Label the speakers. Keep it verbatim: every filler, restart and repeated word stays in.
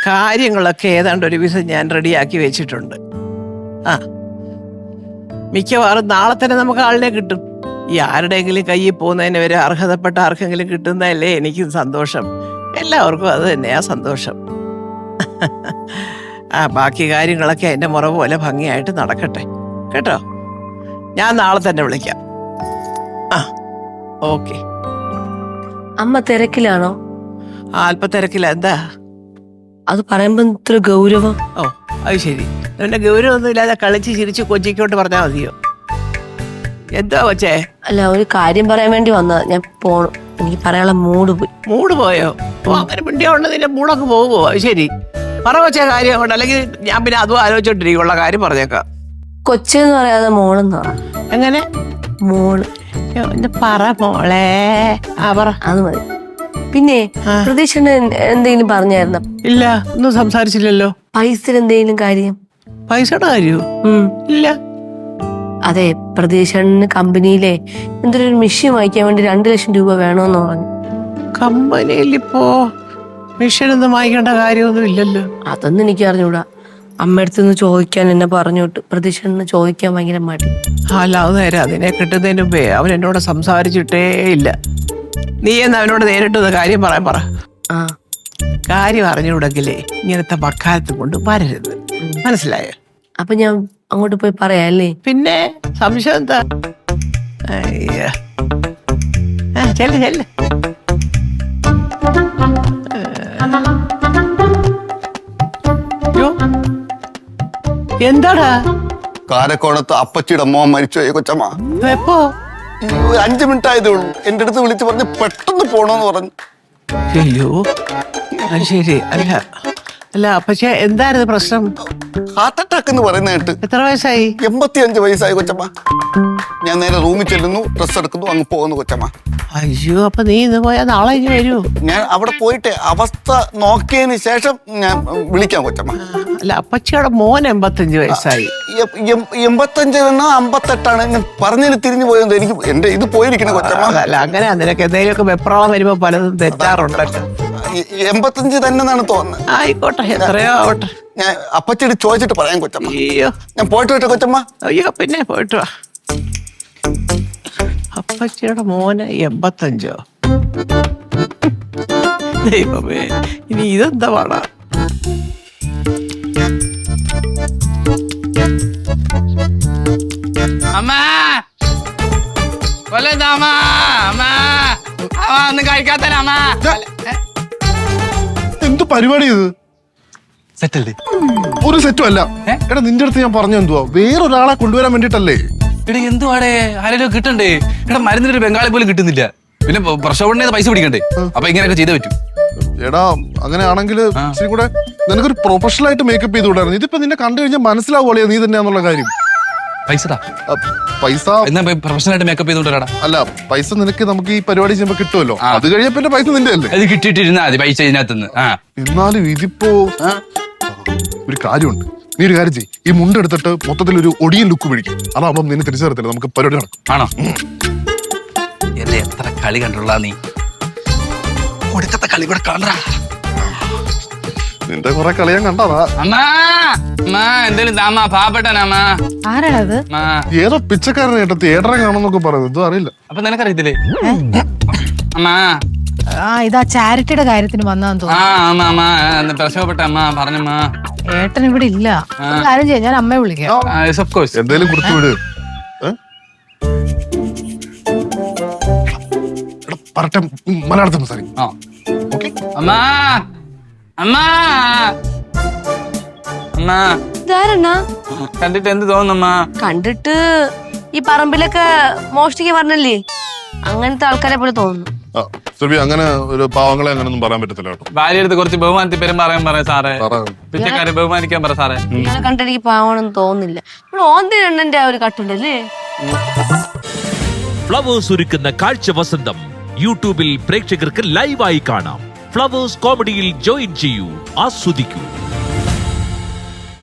Speaker 1: കാര്യങ്ങളൊക്കെ ഏതാണ്ട് ഒരു ദിവസം ഞാൻ റെഡിയാക്കി വെച്ചിട്ടുണ്ട്. ആ മിക്കവാറും നാളെ തന്നെ നമുക്ക് ആളിനെ കിട്ടും. ഈ ആരുടെയെങ്കിലും കയ്യിൽ പോകുന്നതിന് വരെ അർഹതപ്പെട്ട ആർക്കെങ്കിലും കിട്ടുന്നതല്ലേ എനിക്കും സന്തോഷം. എല്ലാവർക്കും അത് തന്നെയാ സന്തോഷം. ആ ബാക്കി കാര്യങ്ങളൊക്കെ എൻ്റെ മുറ പോലെ ഭംഗിയായിട്ട് നടക്കട്ടെ കേട്ടോ. ഞാൻ നാളെ തന്നെ വിളിക്കാം. ആ ഓക്കെ.
Speaker 2: അമ്മ തിരക്കിലാണോ?
Speaker 1: അല്പ തിരക്കില്ല. എന്താ
Speaker 2: അത് പറയുമ്പോ ഇത്ര ഗൗരവം?
Speaker 1: ഓ അത് ശരി. എന്റെ ഗൗരവൊന്നും ഇല്ലാതെ കളിച്ച് ചിരിച്ച് കൊച്ചിക്കോട്ട് പറഞ്ഞാൽ മതിയോ? എന്താ കൊച്ചേ?
Speaker 2: അല്ല, ഒരു കാര്യം പറയാൻ വേണ്ടി വന്നതാ. ഞാൻ പോണം, എനിക്ക് പറയാനുള്ള മൂഡ് പോയി.
Speaker 1: മൂഡ് പോയോ? ഓ അങ്ങനെ പിണ്ടിയ കൊണ്ട് നിന്റെ മൂടൊക്കെ പോകുമോ? അത് ശരി, പറ കൊച്ചേ കാര്യം കൊണ്ട്. അല്ലെങ്കിൽ ഞാൻ പിന്നെ അതും ആലോചിച്ചോണ്ടിരിക്കും. ഉള്ള കാര്യം പറഞ്ഞേക്കാം.
Speaker 2: കൊച്ചെന്ന് പറയാതെ മോളെന്ന് പറ.
Speaker 1: എങ്ങനെ?
Speaker 2: മോള്.
Speaker 1: പറ മോളെ. ആ പറ.
Speaker 2: അത് മതി. പിന്നെ പ്രതീക്ഷന് എന്തെങ്കിലും പറഞ്ഞായിരുന്നോ?
Speaker 1: ഇല്ല, ഒന്നും സംസാരിച്ചില്ലല്ലോ.
Speaker 2: പൈസ എന്തെങ്കിലും കാര്യം?
Speaker 1: പൈസയുടെ കാര്യോ? ഇല്ല.
Speaker 2: അതെ, പ്രതീക്ഷന് കമ്പനിയിലെ എന്തൊരു മെഷീൻ വാങ്ങിക്കാൻ വേണ്ടി രണ്ടു ലക്ഷം രൂപ വേണമെന്ന് പറഞ്ഞു.
Speaker 1: കമ്പനിയിൽ ഇപ്പോ മെഷീൻ ഒന്നും വാങ്ങിക്കേണ്ട കാര്യമൊന്നും ഇല്ലല്ലോ.
Speaker 2: അതൊന്നും എനിക്ക് അറിഞ്ഞൂടാ. അമ്മയടുത്ത് നിന്ന് ചോദിക്കാൻ എന്നെ പറഞ്ഞോട്ട് പ്രതീക്ഷന് ചോദിക്കാൻ ഭയങ്കര മടി.
Speaker 1: അല്ല അത് നേരെ. അതിനെ കിട്ടുന്നതിന് മുമ്പേ അവൻ എന്നോട് സംസാരിച്ചിട്ടേ ഇല്ല. നീ എന്ന് അവനോട് നേരിട്ട് കാര്യം പറയാൻ പറ.
Speaker 2: ആ
Speaker 1: കാര്യം അറിഞ്ഞുകൂടെങ്കിലേ ഇങ്ങനത്തെ വക്കാലത്ത് കൊണ്ട് വരരുത്. മനസ്സിലായോ?
Speaker 2: അപ്പൊ ഞാൻ അങ്ങോട്ട് പോയി പറയാല്ലേ?
Speaker 1: പിന്നെ സംശയം എന്താ? അയ്യ ചെല്ല് ചെല്ല്. എന്താടാ?
Speaker 3: കാരക്കോണത്ത് അപ്പച്ചിയുടെ മോൻ മരിച്ചുപോയി കൊച്ചമ്മ.
Speaker 1: എപ്പോ?
Speaker 3: അഞ്ചു മിനിറ്റ് ആയതേ ഉള്ളൂ. എന്റെ അടുത്ത് വിളിച്ച് പറഞ്ഞ് പെട്ടെന്ന് പോണോന്ന് പറഞ്ഞു.
Speaker 1: അയ്യോ അത് ശരി. അല്ല അല്ല പക്ഷെ എന്തായിരുന്നു പ്രശ്നം?
Speaker 3: ഹാർട്ട് അറ്റാക്ക് എന്ന് പറയുന്ന കേട്ട്.
Speaker 1: എത്ര വയസ്സായി?
Speaker 3: എൺപത്തി അഞ്ച് വയസ്സായി കൊച്ചമ്മ. ഞാൻ നേരെ റൂമിൽ ചെല്ലുന്നു, ഡ്രസ് എടുക്കുന്നു, അങ്ങ് പോകുന്നു കൊച്ചമ്മ.
Speaker 1: അയ്യോ അപ്പൊ നീ ഇന്ന് പോയാ നാളെ ഇനി വരൂ?
Speaker 3: ഞാൻ അവിടെ പോയിട്ട് അവസ്ഥ നോക്കിയതിന് ശേഷം ഞാൻ വിളിക്കാം കൊച്ചമ്മ.
Speaker 1: അല്ല അപ്പച്ചിയുടെ മോൻ എൺപത്തഞ്ച് വയസ്സായി.
Speaker 3: എൺപത്തഞ്ച് അമ്പത്തെട്ടാണ്. ഞാൻ പറഞ്ഞതിന് തിരിഞ്ഞു പോയത് എനിക്ക് എന്റെ ഇത് പോയിരിക്കണം കൊച്ചമ്മ.
Speaker 1: അല്ല അങ്ങനെ നിനക്ക് എന്തെങ്കിലുമൊക്കെ വെപ്രാളം വരുമ്പോ പലതും തെറ്റാറുണ്ടല്ലോ.
Speaker 3: എൺപത്തഞ്ച് തന്നെ തോന്നുന്നത്.
Speaker 1: ആയിക്കോട്ടെ, എത്രയോ ആവട്ടെ.
Speaker 3: ഞാൻ അപ്പച്ചിട്ട് ചോദിച്ചിട്ട് പറയാം കൊച്ചമ്മ.
Speaker 1: അയ്യോ
Speaker 3: ഞാൻ പോയിട്ട് വരട്ടെ കൊച്ചമ്മ.
Speaker 1: അയ്യോ പിന്നെ പോയിട്ട് വാ. അപ്പച്ചിയുടെ മോന് എൺപത്തഞ്ചോ? ദൈവമേ, ഇനി ഇതെന്താ പാടാ?
Speaker 4: അമ്മാ കൊല്ലമ്മ അമ്മാ ഒന്നും കഴിക്കാത്തല്ല അമ്മ.
Speaker 5: എന്ത് പരിപാടി ഇത്?
Speaker 4: സെറ്റല്ലേ?
Speaker 5: ഒരു സെറ്റും അല്ല. എടാ നിന്റെ അടുത്ത് ഞാൻ പറഞ്ഞു എന്തുവാ, വേറൊരാളെ കൊണ്ടുവരാൻ വേണ്ടിട്ടല്ലേ?
Speaker 4: എടാ എന്തുവാടേ, ആരെങ്കിലും കിട്ടണ്ടേ? എടാ മരുന്നിനൊരു ബംഗാളി പോലും കിട്ടുന്നില്ല. പിന്നെ പ്രസവണ്ണ പൈസ പിടിക്കണ്ടേ? അപ്പൊ ഇങ്ങനെയൊക്കെ ചെയ്തേ പറ്റൂ.
Speaker 5: എടാ അങ്ങനെയാണെങ്കിൽ ഇച്ചിരി കൂടെ നിനക്കൊരു പ്രൊഫഷണൽ ആയിട്ട് മേക്കപ്പ് ചെയ്ത് വിടായിരുന്നു. ഇതിപ്പോ നിന്നെ കണ്ടു കഴിഞ്ഞാൽ മനസ്സിലാവുള്ളൂ നീ തന്നെയാന്നുള്ള കാര്യം.
Speaker 4: പൈസ
Speaker 5: പൈസ
Speaker 4: എന്നാ പ്രൊഫഷണൽ ആയിട്ട് മേക്കപ്പ് ചെയ്തോണ്ടാ?
Speaker 5: അല്ല പൈസ നിനക്ക് നമുക്ക് ഈ പരിപാടി ചെയ്യുമ്പോ കിട്ടുമല്ലോ. അത് കഴിഞ്ഞ പിന്നെ പൈസ നിന്റെ അല്ലേ?
Speaker 4: അത് കിട്ടിയിട്ടിരുന്നാ മതി പൈസ ഇതിനകത്തുനിന്ന്.
Speaker 5: എന്നാലും ഇതിപ്പോ ഒരു കാര്യമുണ്ട്. നീ ഒരു കാര്യം ചെയ്യ്, ഈ മുണ്ട് എടുത്തിട്ട് മൊത്തത്തിൽ ഒരു ഒടിയൻ ലുക്ക് പിടിക്കും. അതാവുമ്പോ നിന്നെ തിരിച്ചു തരത്തില്ല, നമുക്ക് പരിപാടി നടക്കും.
Speaker 4: ആണോ? എന്റെ എത്ര കളി കണ്ടുള്ള നീ ഒടുക്കത്തെ കളി കൂടെ കാണാ.
Speaker 5: നിന്റെ കുറെ കളി ഞാൻ കണ്ടതാ.
Speaker 4: അമ്മാ അമ്മാ എന്തേലും താമാ പാവപ്പെട്ടനാമാ.
Speaker 2: ആരാണത്?
Speaker 5: ഏതോ പിച്ചക്കാരനെ കേട്ടോ തിയേറ്ററെ കാണുന്നൊക്കെ പറയുന്നത്. ഇതും അറിയില്ല.
Speaker 4: അപ്പൊ നിനക്കറിയത്തില്ലേ? അമ്മാ
Speaker 6: ആ ഇതാ ചാരിറ്റിയുടെ കാര്യത്തിന് വന്നാന്ന്
Speaker 4: ആ അമ്മ അമ്മ പ്രസവപ്പെട്ട അമ്മ പറഞ്ഞമ്മ.
Speaker 6: ഏട്ടൻ ഇവിടെ ഇല്ല. കാര്യം ചെയ്യാം, ഞാൻ അമ്മയെ വിളിക്കാം.
Speaker 5: എന്തേലും കൊടുത്തു വിട്. പറട്ടെ, മലയാളത്തിൽ സംസാരിക്കും.
Speaker 4: അമ്മ അമ്മ അമ്മ
Speaker 2: ഇതാരണ്ണാ?
Speaker 4: കണ്ടിട്ട് എന്ത് തോന്നുന്നമ്മ?
Speaker 2: കണ്ടിട്ട് ഈ പറമ്പിലൊക്കെ മോഷ്ടിക്കാൻ പറഞ്ഞല്ലേ, അങ്ങനത്തെ ആൾക്കാരെ പോലെ തോന്നുന്നു.
Speaker 5: അങ്ങനെ ഒരു പാവങ്ങളെ അങ്ങനൊന്നും പറയാൻ പറ്റത്തില്ല കേട്ടോ.
Speaker 4: ഭാര്യ അടുത്ത് കുറച്ച് ബഹുമാനത്തിൽ പേരും പറയാൻ പറയാം സാറേ. പിച്ചക്കാരെ ബഹുമാനിക്കാൻ പറ സാറേ.
Speaker 2: ഇങ്ങനെ കണ്ടെനിക്ക് പാവണെന്ന് തോന്നുന്നില്ല. ഇവിടെ ഓന്തിരണ്ണന്റെ ആ ഒരു കട്ടുണ്ടല്ലേ.
Speaker 7: ഫ്ലവേഴ്സ് ഒരുക്കുന്ന കാഴ്ച വസന്തം യൂട്യൂബിൽ പ്രേക്ഷകർക്ക് ലൈവായി കാണാം. ഫ്ലവേഴ്സ് കോമഡിയിൽ ജോയിൻ ചെയ്യൂ, ആസ്വദിക്കൂ.